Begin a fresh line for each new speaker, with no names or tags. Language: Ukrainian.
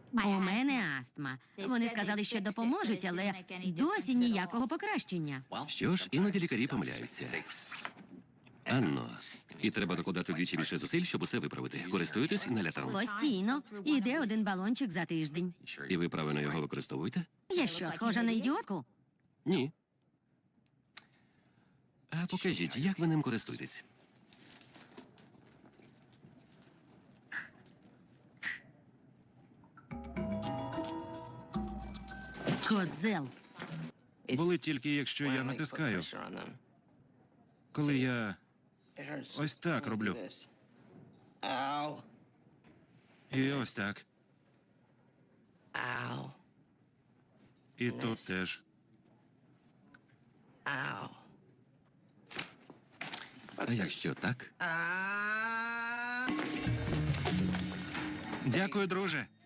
У мене астма. Вони сказали, що допоможуть, але досі ніякого покращення.
Що ж, іноді лікарі помиляються. Анно, і треба докладати вдвічі більше зусиль, щоб усе виправити. Користуєтесь інгалятором?
Постійно. Іде один балончик за тиждень.
І ви правильно його використовуєте?
Я що, схожа на ідіотку?
Ні. А покажіть, як ви ним користуєтесь?
Козел.
Болить тільки, якщо я натискаю. Коли я ось так роблю. І ось так. І тут теж.
А якщо так?
Дякую, друже.